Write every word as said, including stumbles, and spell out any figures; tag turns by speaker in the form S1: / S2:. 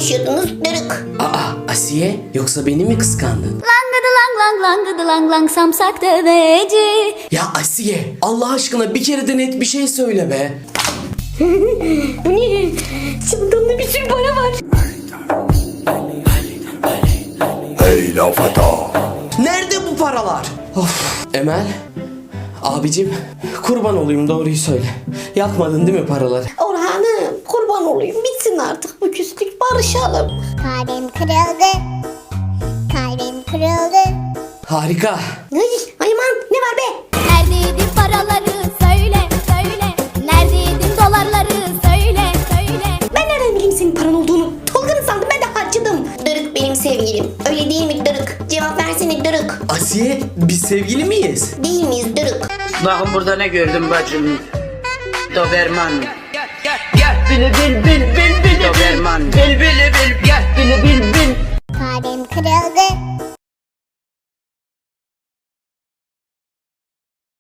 S1: konuşuyordunuz dırık.
S2: Aa Asiye, yoksa beni mi kıskandın?
S3: Langıdı lang lang langıdı lang lang samsak deveci.
S2: Ya Asiye, Allah aşkına bir kere de net bir şey söyle be.
S1: Bu ne? Çılgınlı bir sürü para var.
S4: Hey la fata.
S2: Nerede bu paralar? Of. Emel, abicim kurban olayım, doğruyu söyle. Yakmadın değil mi paraları?
S1: Orhan'ım kurban olayım, bitsin artık bu küslük, barışalım.
S5: Kalbim kırıldı. Kalbim kırıldı.
S2: Harika.
S1: Ay, ay aman ne var be?
S3: Neredeydin paraları söyle söyle. Neredeydin dolarları söyle söyle.
S1: Ben nereden bileyim senin paran olduğunu? Tolga'nın sandım, ben de harcadım. Dırık benim sevgilim. Öyle değil mi Dırık? Cevap versene Dırık.
S2: Asiye, biz sevgili miyiz?
S1: Değil miyiz Dırık?
S6: Bakın burada ne gördüm bacım. Doberman. Bil bil bil bil bil Doberman. Bil bil bil bil bil bil.
S5: Kalbim kırıldı.